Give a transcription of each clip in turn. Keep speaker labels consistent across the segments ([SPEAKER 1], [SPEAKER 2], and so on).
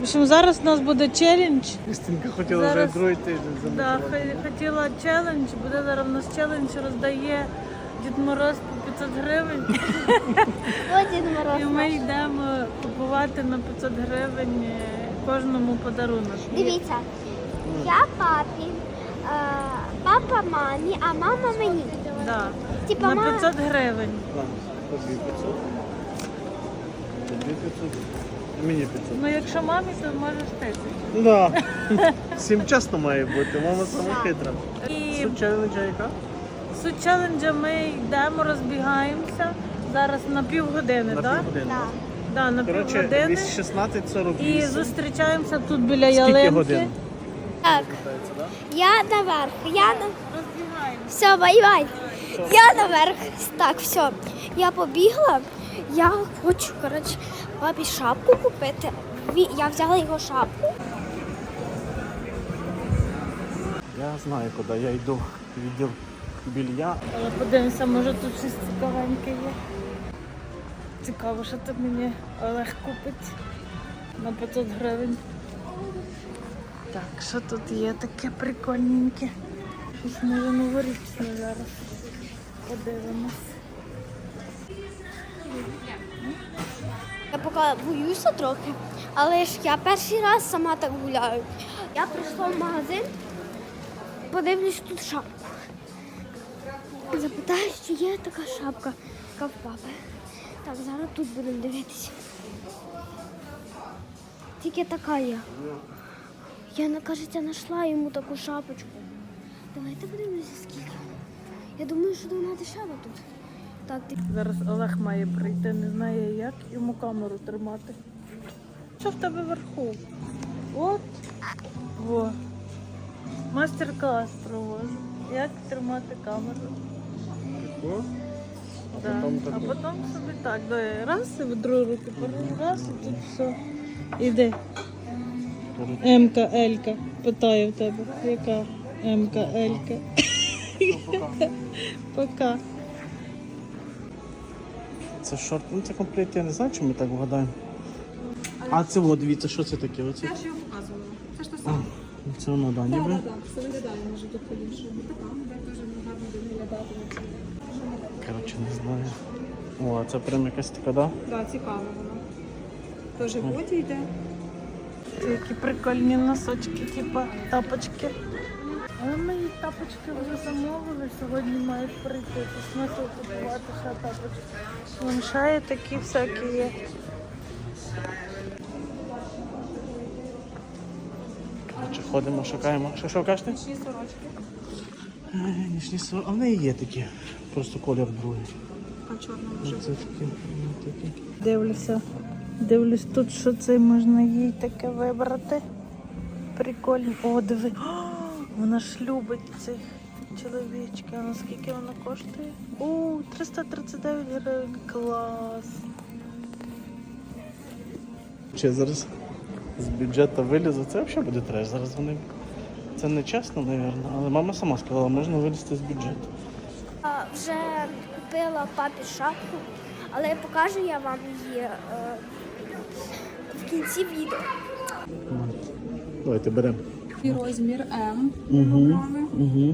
[SPEAKER 1] В общем, зараз у нас буде челендж.
[SPEAKER 2] Кристинка хотіла вже другий тиждень замотувати.
[SPEAKER 1] Хотіла челендж, буде зараз у нас челендж, роздає Дід Мороз по 500 гривень.
[SPEAKER 3] О, Дід Мороз.
[SPEAKER 1] І ми йдемо купувати на 500 гривень кожному подарунок.
[SPEAKER 3] Дивіться, я папі, папа мамі, а мама мені.
[SPEAKER 1] Да.
[SPEAKER 3] Типа
[SPEAKER 1] На 500 гривень.
[SPEAKER 2] На, тобі 500. Тобі 500. І мені 500.
[SPEAKER 1] Ну якщо мамі, то можеш 1000.
[SPEAKER 2] Ну да. Всім чесно має бути, мама сама хитра.
[SPEAKER 1] І
[SPEAKER 2] Суть челенджа яка?
[SPEAKER 1] суть челенджа ми йдемо, розбігаємося. Зараз на півгодини,
[SPEAKER 2] На
[SPEAKER 1] так?
[SPEAKER 2] півгодини.
[SPEAKER 3] Да.
[SPEAKER 1] Да, на
[SPEAKER 2] Коротше,
[SPEAKER 1] півгодини.
[SPEAKER 2] 16:48.
[SPEAKER 1] І зустрічаємося тут біля
[SPEAKER 2] Скільки
[SPEAKER 1] ялинки.
[SPEAKER 2] годин?
[SPEAKER 3] Так,
[SPEAKER 2] Питається, да?
[SPEAKER 3] я наверх,
[SPEAKER 1] Розбігаємося.
[SPEAKER 3] Все, бай-бай. Я наверх. Так, все. Я побігла. Я хочу, коротше, папі шапку купити. Я взяла його шапку.
[SPEAKER 2] Я знаю, куди я йду. Відділ білья.
[SPEAKER 1] Але подивимося, може тут щось цікавеньке є. Цікаво, що тут мені Олег купить на 500 гривень. Так, що тут є таке прикольненьке? Щось може новорічне зараз. Подивимось.
[SPEAKER 3] Я поки боюся трохи, але ж я перший раз сама так гуляю. Я прийшла в магазин, подивлюсь тут шапку. Запитаю, чи є така шапка, яка в папи. Так, зараз тут будемо дивитися. Тільки така є. Я, кажеться, знайшла йому таку шапочку. Давайте подивимося, скільки. Я думаю, що вона дешева тут. Так,
[SPEAKER 1] Зараз Олег має прийти, не знає як йому камеру тримати. Що в тебе вверху? От. Во. Мастер-клас провожу. Як тримати камеру.
[SPEAKER 2] О,
[SPEAKER 1] Да.
[SPEAKER 2] потім
[SPEAKER 1] А
[SPEAKER 2] таку.
[SPEAKER 1] потім собі так, раз і в другу руку, раз і тут все. Іди. М-ка, Л-ка. Питаю в тебе, яка М-ка, Л-ка. Пока.
[SPEAKER 2] Це шорт, ну це комплект, я не знаю, чи ми так вгадаємо. А це от, дивіться, що це таке? Оце?
[SPEAKER 4] Я ж його показувала. Це ж те саме.
[SPEAKER 2] Це воно, да, ніби?
[SPEAKER 4] Так, все виглядає, може тут по-іншому. Така, де дуже гарно буде виглядати.
[SPEAKER 2] Коротше, не знаю. О, а це прям якась така, да?
[SPEAKER 4] Так, цікаво воно. Теж в боті йде.
[SPEAKER 1] Це які прикольні носочки, типа тапочки. Але мої тапочки вже замовили, сьогодні мають прийти. То смисл купувати ще тапочки. Вон ще є такі всякі є.
[SPEAKER 2] Коротше, ходимо, шукаємо. Що кажете?
[SPEAKER 4] Нічні сорочки.
[SPEAKER 2] Нічні сорочки. А в неї є такі. Просто колір другий.
[SPEAKER 4] А чорна вже.
[SPEAKER 2] Це такі.
[SPEAKER 1] Дивлюсь тут, що це можна їй таке вибрати. Прикольно. О, диви. О, вона ж любить цих чоловічків. А наскільки вона коштує? О, 339 гривень. Клас.
[SPEAKER 2] Чи зараз з бюджету вилізу, це взагалі буде треш. Зараз вони. Це не чесно, мабуть, але мама сама сказала, можна вилізти з бюджету.
[SPEAKER 3] вже купила папі шапку, але покажу я вам її в кінці відео.
[SPEAKER 2] Давайте беремо.
[SPEAKER 4] І розмір М.
[SPEAKER 2] Угу.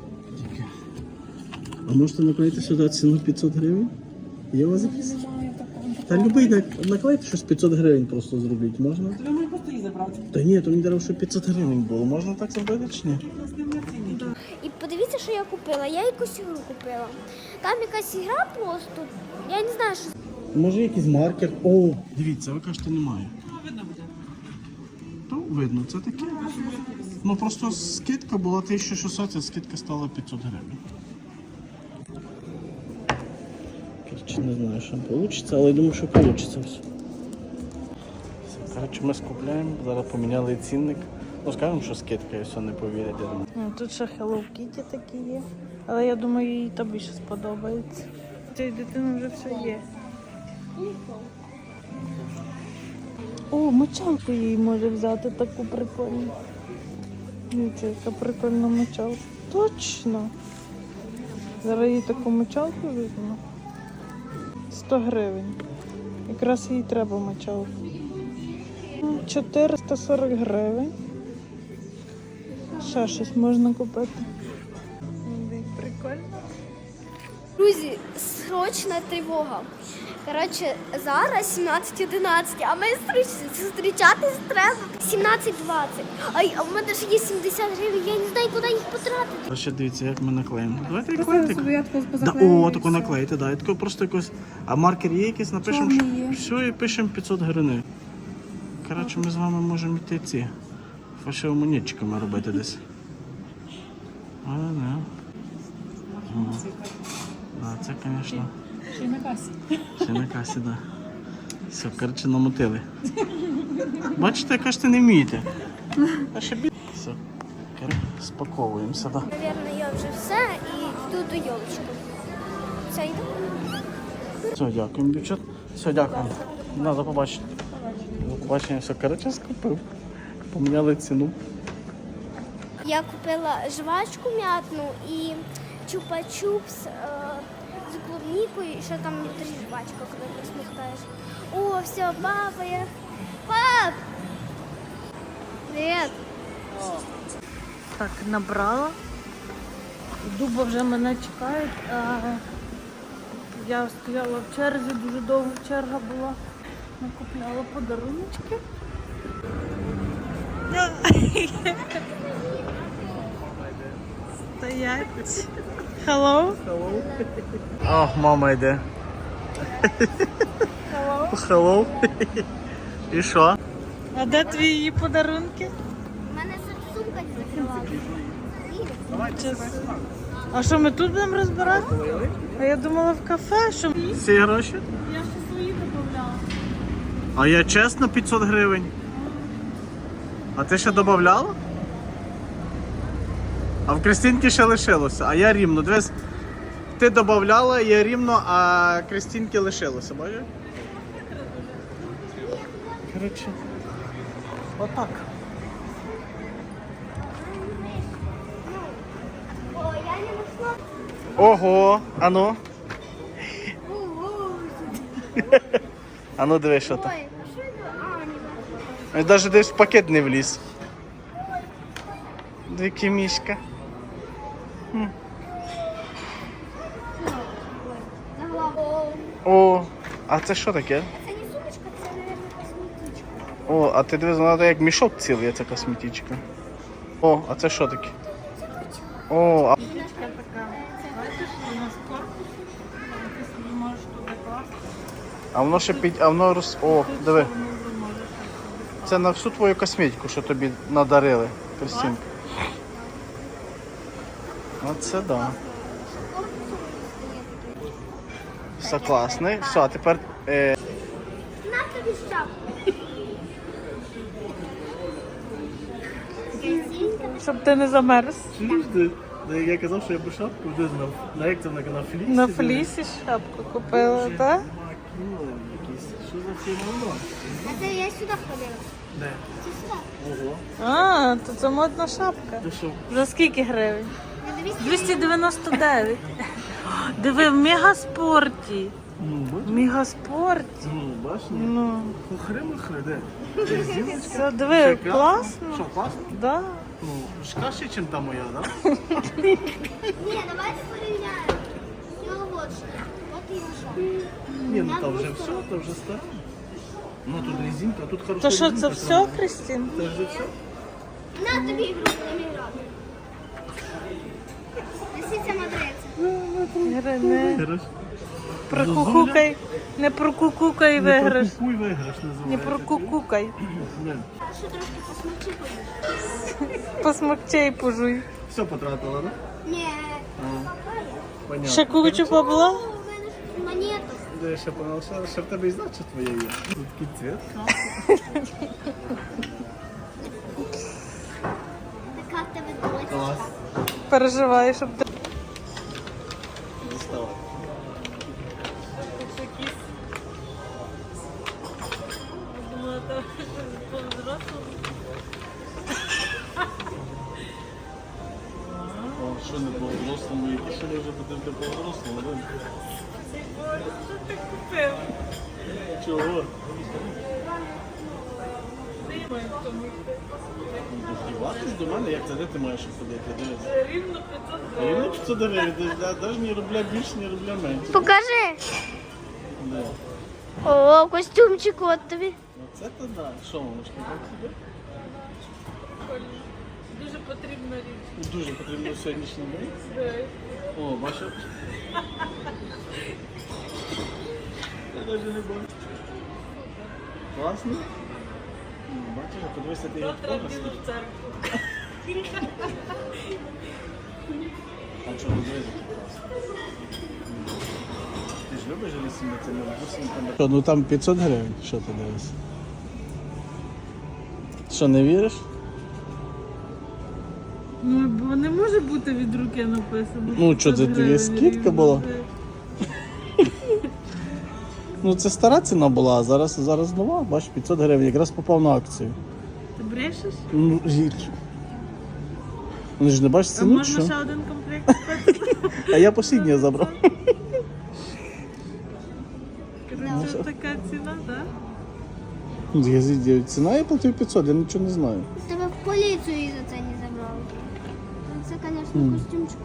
[SPEAKER 2] А можете наклеїти сюди ціну 500 гривень? Є у вас якісь?
[SPEAKER 4] Немає такого.
[SPEAKER 2] Та любий наклейте щось 500 гривень просто зробити, можна?
[SPEAKER 4] Я можу просто її забрати.
[SPEAKER 2] Та ні, то мені треба, щоб 500 гривень було. Можна так зробити чи ні?
[SPEAKER 4] У нас немає ціни.
[SPEAKER 3] І подивіться, що я купила. Я якусь ігру купила. Там якась ігра просто. Я не знаю, що.
[SPEAKER 2] Може якийсь маркер? О, дивіться, ви кажете, немає.
[SPEAKER 4] Видно буде.
[SPEAKER 2] То видно, це таке. Ну просто скидка була 1600, а скидка стала 500 гривень. Короче, не знаю, що вийде, але я думаю, що вийде все. Коротше, ми скупляємо, зараз поміняли цінник. Ну, скажемо, що скидка, і все, не повірять. я думаю.
[SPEAKER 1] Тут ще Hello Kitty такі є. Але я думаю, їй то більше сподобається. Цієї дитини вже все є. О, мочалку їй може взяти таку прикольну. Дивіться, яка прикольна мочалка. Точно! Зараз їй таку мочалку візьму. 100 гривень. Якраз їй треба мочалку. 440 гривень. Ще щось можна купити. Прикольно.
[SPEAKER 3] Друзі, срочна тривога. Коротше, зараз 17:11, а ми зустрічатись треба 17:20. А в мене ж є 70 гривень, я не знаю, куди їх потратити.
[SPEAKER 2] Ще дивіться, як ми наклеїмо. Давайте
[SPEAKER 4] Просто
[SPEAKER 2] наклеїти.
[SPEAKER 4] собі я таку
[SPEAKER 2] Да,
[SPEAKER 4] позаклею.
[SPEAKER 2] о, таку наклеїти, да. І таку просто якось. А маркер є якийсь, напишемо, що
[SPEAKER 4] Чорний є.
[SPEAKER 2] все і пишемо 500 гривень. Коротше, ми з вами можемо йти ці фальшивомонетчиками робити десь. Але не. Да, це, звісно.
[SPEAKER 4] Ще й на касі.
[SPEAKER 2] Ще на касі, да. Все, коротше, намотили. Бачите, кажете, не вмієте. А ще бі... Все. Спаковуємося, да.
[SPEAKER 3] Навірно, я вже все і йду до йолочки. Все, йду.
[SPEAKER 2] Все, дякуємо, дівчат. Все, дякуємо. До побачення. До побачення, все, коротше, скупив. Поміняли ціну.
[SPEAKER 3] Я купила жвачку м'ятну і чупа-чупс з клубнікою, і ще там внутрі жвачка, коли посміхаєш. О, все, папа, я... Пап! Привіт!
[SPEAKER 1] Так, набрала. Дуба вже мене чекають. А я стояла в черзі, дуже довга черга була. Накупляла подаруночки. Стоять. Hello.
[SPEAKER 2] О, мама йде.
[SPEAKER 1] Hello.
[SPEAKER 2] Hello. І що?
[SPEAKER 1] А де твої подарунки?
[SPEAKER 3] У мене сумка закривала.
[SPEAKER 1] А що, ми тут будемо розбирати? А я думала в кафе, що...
[SPEAKER 2] Ці гроші?
[SPEAKER 1] Я ще свої додавала.
[SPEAKER 2] А я чесно 500 гривень. А ти ще додавала? А в Кристинки ще лишилося, а я рівно. Дивись, ти додавала, я рівно, а Кристинки лишилося, бачиш? Коротше, отак.
[SPEAKER 3] О, я не знайшла.
[SPEAKER 2] Ого, ану. Ану дивись, що там.
[SPEAKER 3] Ой, а що це? А, не знаю.
[SPEAKER 2] Ось навіть десь в пакет не вліз. Дві мішка.
[SPEAKER 3] Заглаву.
[SPEAKER 2] О, а це що таке?
[SPEAKER 3] Це не сумочка, це, мабуть, косметичка.
[SPEAKER 2] О, а ти дивись, вона як мішок цілий, ця косметичка. О, а це що таке? О, а...
[SPEAKER 1] Така. Бачиш, у нас корпус. Ти собі можеш туди класти.
[SPEAKER 2] А воно ще під... А воно роз... О, диви.
[SPEAKER 1] Воно вже може.
[SPEAKER 2] Це на всю твою косметику, що тобі надарили, Кристинка. Оце да. Все класний. Все, а тепер...
[SPEAKER 3] На тобі шапку.
[SPEAKER 1] Щоб ти не замерз.
[SPEAKER 2] Чуєш ти? Я казав, що я би шапку де знав. Як це на флісі?
[SPEAKER 1] На флісі шапку купила, так?
[SPEAKER 2] Що за фірма?
[SPEAKER 3] А це я сюди ходила.
[SPEAKER 2] Де?
[SPEAKER 3] Це сюди.
[SPEAKER 2] Ого.
[SPEAKER 1] А, то це модна шапка.
[SPEAKER 2] Ти що?
[SPEAKER 1] За скільки гривень?
[SPEAKER 3] Ну, дивись,
[SPEAKER 1] 299. Диви, в мегаспорті. В мегаспорті.
[SPEAKER 2] Бачиш?
[SPEAKER 1] Ну,
[SPEAKER 2] Хохри-махри, де?
[SPEAKER 1] все, диви, класно.
[SPEAKER 2] Що, класно?
[SPEAKER 1] Да.
[SPEAKER 2] Ну, ж краще, ніж та моя, так?
[SPEAKER 3] Ні, давайте порівняємо. Його от що. От його що.
[SPEAKER 2] Ні, ну то вже все, то вже старе. Ну тут резинка, а тут хороша
[SPEAKER 1] То що,
[SPEAKER 2] резинка.
[SPEAKER 1] це все, Христин?
[SPEAKER 2] Це вже все?
[SPEAKER 3] На тобі ігру, не грати. Несіться мадреться.
[SPEAKER 1] Не
[SPEAKER 2] Хорошо.
[SPEAKER 1] прокукукай, не прокукукай виграш.
[SPEAKER 2] Хуй виграш називається.
[SPEAKER 1] Не прокукукай.
[SPEAKER 2] Не.
[SPEAKER 3] Що трошки посмочи поїш?
[SPEAKER 1] Посмокчей пожуй.
[SPEAKER 2] Все потратила, так?
[SPEAKER 3] Ні.
[SPEAKER 2] Понятно.
[SPEAKER 1] Ще кучу побула?
[SPEAKER 3] О, у мене ж монету.
[SPEAKER 2] Де я ще понял, що в тебе і значить твоє є. Тут такий цвет.
[SPEAKER 3] Така в тебе дочка.
[SPEAKER 2] Клас.
[SPEAKER 1] Переживаю, щоб ти...
[SPEAKER 2] Доставай. О, що не по-взрослому, які ще може бути по-взрослому, да?
[SPEAKER 1] Що ти купив?
[SPEAKER 2] Чого? Вдіватись до мене, як це, де ти маєш ходити? Дивись.
[SPEAKER 1] Рівно 500 гривень.
[SPEAKER 2] Рівно 500 гривень, навіть ні рубля більше, ні рубля менше.
[SPEAKER 3] Покажи.
[SPEAKER 2] Да.
[SPEAKER 3] О, костюмчик от тобі.
[SPEAKER 2] Оце то да. Що, мамочка, так собі?
[SPEAKER 1] Дуже потрібна річ.
[SPEAKER 2] Дуже потрібно в сьогоднішній день.
[SPEAKER 1] Да.
[SPEAKER 2] О, бачиш? Я навіть не бачу. Класно? Бачиш, а подивися, ти його
[SPEAKER 1] Завтра піду в церкву.
[SPEAKER 2] А чого, дивись, який класний. Ти ж любиш лісіння цими бусинками? Що, ну там 500 гривень, що ти дивишся? Що, не віриш?
[SPEAKER 1] Ну, бо не може бути від руки написано.
[SPEAKER 2] Ну, що, це
[SPEAKER 1] 500
[SPEAKER 2] тобі
[SPEAKER 1] гривень
[SPEAKER 2] скидка
[SPEAKER 1] рівно.
[SPEAKER 2] була? Ну це стара ціна була, а зараз нова, бачиш, 500 гривень, якраз попав на акцію.
[SPEAKER 1] Ти брешеш?
[SPEAKER 2] Ну, вони ж не бачиш
[SPEAKER 1] А
[SPEAKER 2] ціну,
[SPEAKER 1] можна ще
[SPEAKER 2] що?
[SPEAKER 1] один комплект купити?
[SPEAKER 2] А я посліднє забрав.
[SPEAKER 1] Коротше, така ціна, так?
[SPEAKER 2] Ціна я платив 500, я нічого не знаю.
[SPEAKER 3] Тебе в поліцію за це не забрали. Це, звісно, костюмчик.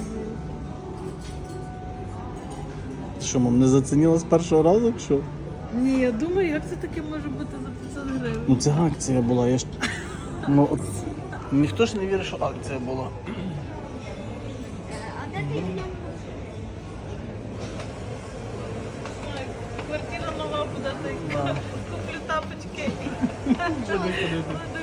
[SPEAKER 2] Що, мам, не зацінила з першого разу, чи що?
[SPEAKER 1] Ні, я думаю, як це таке може бути за 500 гривень?
[SPEAKER 2] Ну це акція була, я ж... Ну, от... Ніхто ж не вірить, що акція була.
[SPEAKER 3] А де ти мене?
[SPEAKER 1] Квартира нова буде, куплю тапочки. Буду ходити.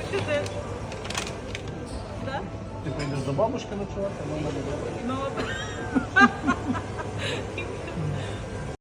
[SPEAKER 1] Так?
[SPEAKER 2] Ти поїдеш до бабушки ночувати, а мама буде.
[SPEAKER 1] Ну, і